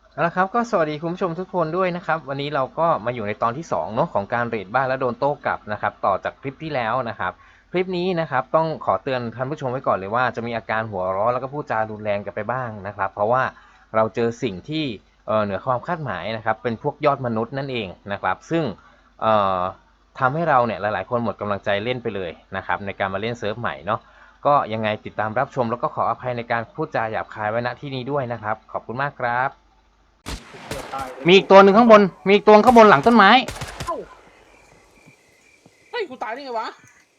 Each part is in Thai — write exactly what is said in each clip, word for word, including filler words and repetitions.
เอาละครับก็สวัสดีคุณผู้ชมทุกคนด้วยนะครับวันนี้เราก็มาอยู่ในตอนที่สองเนาะของการเรดบ้านและโดนโต้กลับนะครับต่อจากคลิปที่แล้วนะครับคลิปนี้นะครับต้องขอเตือนท่านผู้ชมไว้ก่อนเลยว่าจะมีอาการหัวร้อนแล้วก็พูดจารุนแรงกันไปบ้างนะครับเพราะว่าเราเจอสิ่งที่เหนือความคาดหมายนะครับเป็นพวกยอดมนุษย์นั่นเองนะครับซึ่งทำให้เราเนี่ยหลายๆคนหมดกำลังใจเล่นไปเลยนะครับในการมาเล่นเซิร์ฟใหม่เนาะก็ยังไงติดตามรับชมแล้วก็ขออภัยในการพูดจาหยาบคายไว้ณที่นี้ด้วยนะครับขอบคุณมากครับมีอีกตัวหนึ่งข้างบน มีอีกตัวข้างบนหลังต้นไม้เอ้าเฮ้ยกูตายได้ไงวะ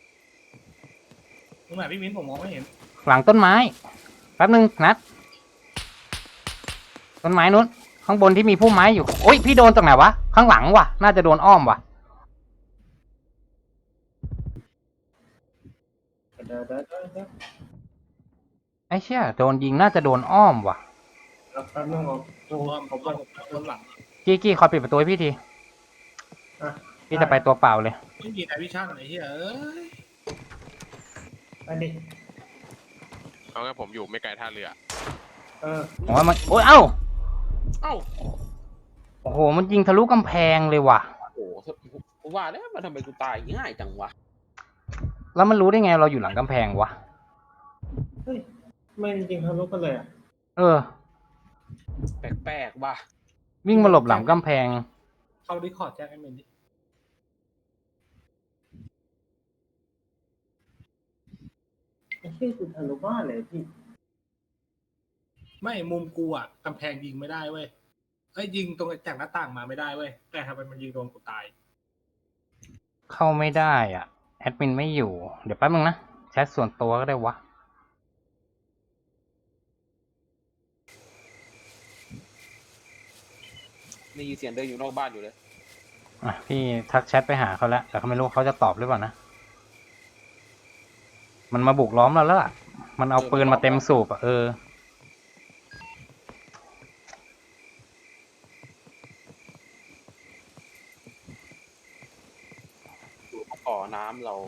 ตรงไหนพี่มิ้นผมมองไม่เห็นหลังต้นไม้แป๊บนึงนัดต้นไม้นู้นข้างบนที่มีพุ่มไม้อยู่โอ๊ยพี่โดนตรงไหนวะข้างหลังวะน่าจะโดนอ้อมวะไอ้เชี่ยโดนยิงน่าจะโดนอ้อมวะแล้วแป๊บนึงผมผมผมผมผมหลังกี้กี้คอยปิดประตูให้พี่ทีพี่จะไปตัวเปล่าเลยไม่มีนายวิชั่นอะไรที่เอ้ยอันนี้เอางั้นผมอยู่ไม่ไกลท่าเรือเออผมว่ามันโอ้ยเอ้าเอ้าโอ้โหมันยิงทะลุกำแพงเลยว่ะโอ้โหกูว่าแล้วมันทำไมกูตายง่ายจังวะแล้วมันรู้ได้ไงเราอยู่หลังกำแพงวะเฮ้ยไม่จริงทะลุกันเลยอ่ะเออแปลกๆว่ะวิ่งมาหลบหลังกำแพงเข้าดิคอร์ดแจ้งไอ้เมนดิไอ้ที่คุณทะลุบ้านเลยพี่ไม่มุมกูอ่ะกำแพงยิงไม่ได้เว้ยไอ้ยิงตรงจากหน้าต่างมาไม่ได้เว้ยแต่ทำไมมันยิงโดนกูตายเข้าไม่ได้อ่ะแอดมินไม่อยู่เดี๋ยวแป๊บนึงนะแชทส่วนตัวก็ได้วะมีเสียงเดินอยู่นอกบ้านอยู่เลยอ่ะพี่ทักแชทไปหาเขาแล้วแต่เขาไม่รู้เขาจะตอบหรือเปล่านะมันมาบุกล้อมเราแล้วล่ะมันเอาปืนมาเต็มสูบอ่ะเอออยู่ขอน้ำเรา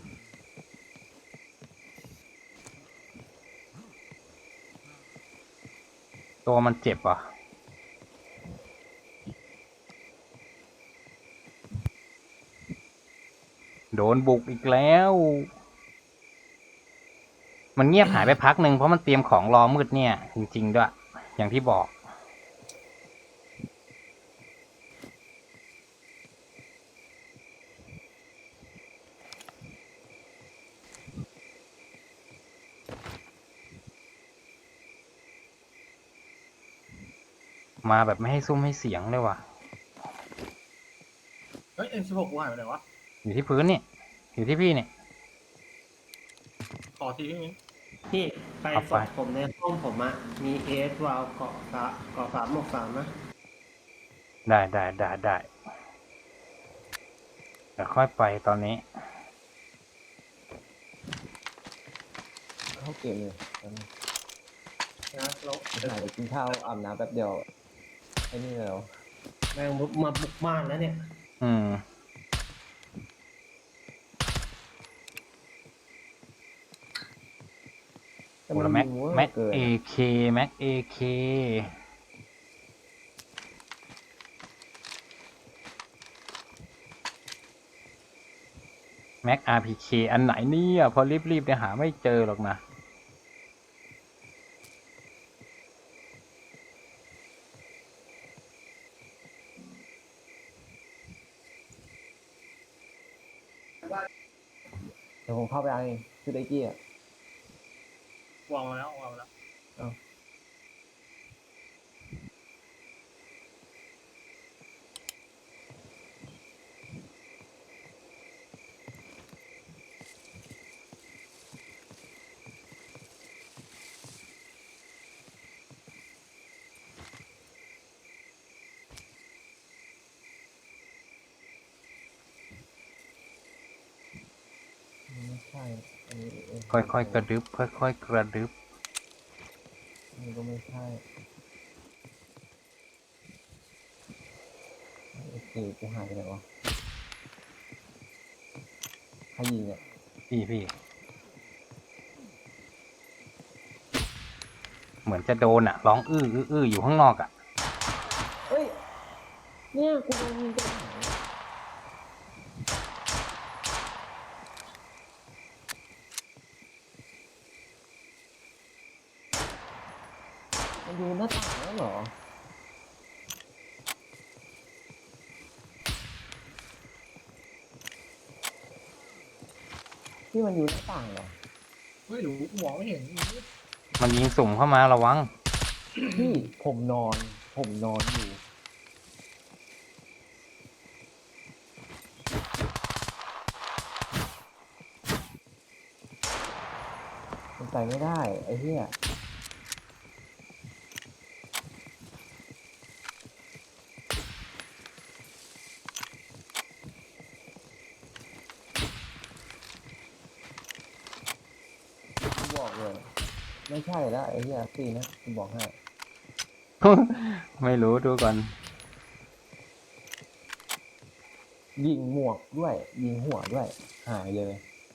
ตัวมันเจ็บอ่ะโดนบุกอีกแล้วมันเงียบหายไปพักหนึ่งเพราะมันเตรียมของรอมืดเนี่ยจริงๆด้วยอย่างที่บอกมาแบบไม่ให้ซุ่มให้เสียงเลยว่ะเฮ้ยเอ็มสิบหกกูหายไปไหนวะอยู่ที่พื้นนี่อยู่ที่พี่เนี่ยขอทีพี่มิ้นพี่ไปสอบผมในห้องผมอะมีเอสวาลเกาะสะเกาะสามหมกสามนะได้ได้ได้ได้เดี๋ยวค่อยไปตอนนี้เข้าเกมเลยนะเราหายไปกินข้าวอาบน้ำแป๊บเดียวไอ้นี่แล้วแม่งมาบุกบ้านแล้วเนี่ยอืมโอ้แล้วแม็กแม็กเอเคแม็กเอเคแม็กอาร์พีเคอันไหนเนี่ยพอรีบๆเนี่ยหาไม่เจอหรอกนะเดี๋ยวผมเข้าไปเอาเองคือไดกี้อ่ะวางแล้ววางแล้วไม่ใช่อันนี้ค่อยๆกระดึบค่อยๆกระดึบอันนี้ก็ไม่ใช่โอเคกูหายไปไหนวะใครยิงอ่ะพี่พี่เหมือนจะโดนอ่ะร้องอื้ออื้ออื้ออยู่ข้างนอกอ่ะเนี่ยกูโดนยิงตรงไหนมันอยู่หน้าต่างแล้วเหรอที่มันอยู่หน้าต่างเหรอไม่รู้มองไม่เห็นมันยิงสุ่มเข้ามาระวังพี่ผมนอน ผมนอนอยู่มันไปไม่ได้ไอ้เหี้ยกูบอกเลย ไม่ใช่แล้วไอ้เหี้ยซีนะกูบอกให้ไม่รู้ดูก่อนยิงหมวกด้วย ยิงหัวด้วย หายเลย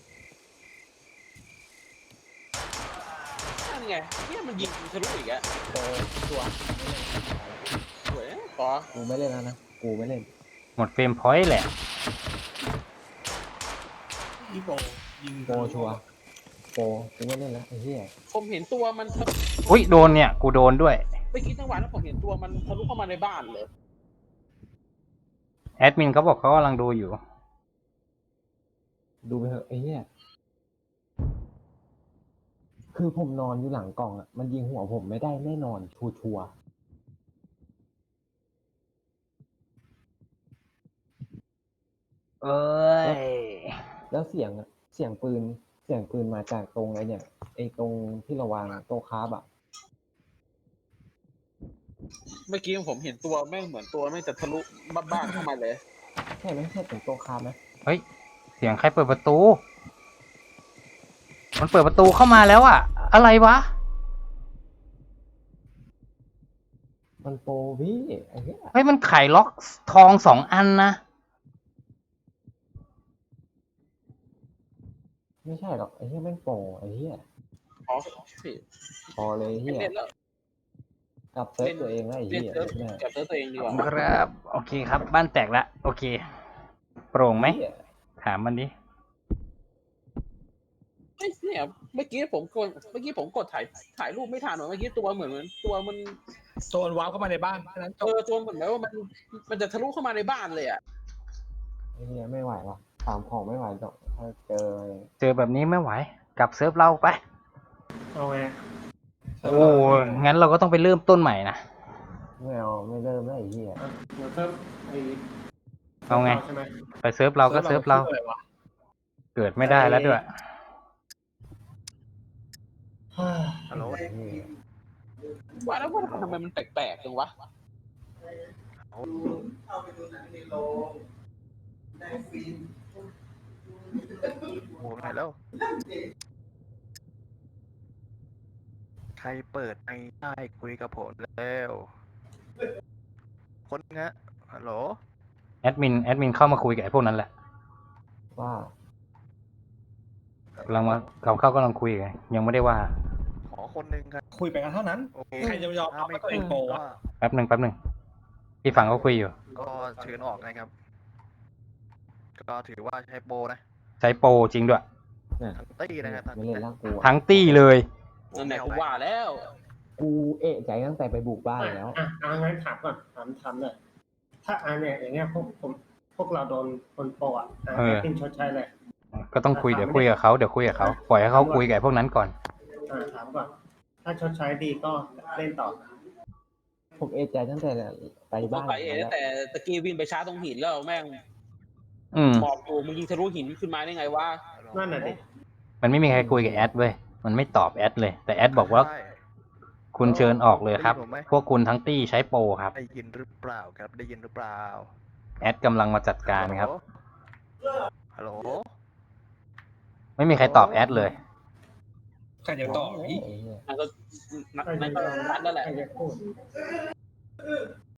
นั่นไงเนี่ยมันยิงกูทะลุอีกอะโตตัวสวยนะต่อกูไม่เล่นแล้วนะ กูไม่เล่นหมดเฟรมพอยต์แหละอีโปยิงโปรชัวร์โปรกูไม่เล่นแล้วไอ้เหี้ยผมเห็นตัวมันทะลุอุ้ยโดนเนี่ย กูโดนด้วยไม่คิดจังหวะนั้นผมเห็นตัวมันทะลุเข้ามาในบ้านเลยแอดมินเขาบอกเขากำลังดูอยู่ดูไปเถอะไอ้เหี้ยคือผมนอนอยู่หลังกล่องอ่ะ มันยิงหัวผมไม่ได้แน่นอน ชัวชัวร์เอ้ยๆแล้วเสียงอะเสียงปืน เสียงปืนมาจากตรงไอ้เนี่ย ไอ้ตรงที่เราวางโต๊ะคาร์บอ่ะเมื่อกี้ผมเห็นตัวแม่งเหมือนตัวแม่งจะทะลุบ้านเข้ามาเลยใช่ไหมใช่ถึงโต๊ะคาร์บไหมเฮ้ย เสียงใครเปิดประตู มันเปิดประตูเข้ามาแล้วอะอะไรวะมันโปรพี่ไอ้เหี้ยเฮ้ย มันไขล็อกทองสองอันนะไม่ใช่หรอกไอ้เหี้ยแม่งโปรไอ้เหี้ยอ๋อพี่พอเลยไอ้เหี้ยเล่นแล้วกลับเซิร์ฟตัวเองแล้วไอ้เล่นเหี้ยเซิร์ฟแม่จับเซิร์ฟตัวเองดีกว่าครับ โอเคครับ บ้านแตกละโอเค โปร่งไหมเหี้ยถามมันดิเอ้ยเนี่ยเมื่อกี้ผมกดเมื่อกี้ผมกดถ่ายถ่ายรูปไม่ทันหรอเมื่อกี้ตัวเหมือนมันตัวมันโซนว้าวเข้ามาในบ้านแค่นั้นจเอบ อตัวเหมือนแบบว่ามันมันจะทะลุเข้ามาในบ้านเลยอ่ะไอ้เหี้ยไม่ไหวหรอกตามของไม่ไหวหรอกถ้าเจอเจอแบบนี้ไม่ไหว กลับเซิร์ฟเราไปเอาไงโอ้งั้นเราก็ต้องไปเริ่มต้นใหม่นะไม่เอาไม่เริ่มแล้วไอ้เหี้ยอ่ะเดี๋ยวเพิ่มไอ้เอาไงใช่ไหมไปเซิร์ฟเราก็เซิร์ฟเราอะไรวะเกิดไม่ได้แล้วด้วยฮัลโหลไอ้เหี้ยว่าแล้วว่าทำไมมันแปลกๆจังวะโอ้ไหนแล้ว ใครเปิดไอ้ได้คุยกับผมแล้ว คนงะฮัลโหลแอดมิน แอดมินเข้ามาคุยกับไอ้พวกนั้นแหละว่ากำลังมาเขาเข้ากำลังคุยกันยังไม่ได้ว่าขอคนหนึ่งครับคุยไปกันเท่านั้นโอเคใครจะยอมรับว่าตัวเองโปรวะแป๊บหนึ่งแป๊บหนึ่งพี่ฟังเขาคุยอยู่ก็เชิญออกนะครับ ก็ถือว่าใช้โปรนะใช้โปรจริงด้วยเนี่ยทั้งตี้นะครับทั้งไม่เล่นแล้วกูอะทั้งตี้เลยนั่นแหละกูว่าแล้วกูเอะใจตั้งแต่ไปบุกบ้านแล้วอ่ะอ่ะงั้นถามก่อนถามถามเลยถ้าอันเนี่ยอย่างเงี้ยพวกผมพวกเราโดนคนโปรอ่ะอ่ะเออให้เป็นชดใช้เลยก็ต้องคุยเดี๋ยวคุยกับเขาเดี๋ยวคุยกับเขาปล่อยให้เขาคุยกับไอ้พวกนั้นก่อนอ่าถามก่อน ถ้าชดใช้ดีก็เล่นต่อผมเอะใจตั้งแต่ไปกูบ้านไปเองแล้วแต่ตะกี้วิ่งไปช้าตรงหินแล้วแม่งอืมบอกกูมึงยิงทะลุหินขึ้นมาได้ไงวะนั่นน่ะดิมันไม่มีใครคุยกับแอดเว้ยมันไม่ตอบแอดเลย แต่แอดบอกว่าใช่คุณเชิญออกเลยครับได้ยินผมไหมพวกคุณทั้งตี้ใช้โปรครับได้ยินหรือเปล่าครับ ได้ยินหรือเปล่าแอดกำลังมาจัดการครับฮัลโหลไม่มีใครตอบแอดเลยใครจะต่ออีกไอ้เหี้ยนั่นก็นั่นก็นัดแล้วแหละใครจะพูด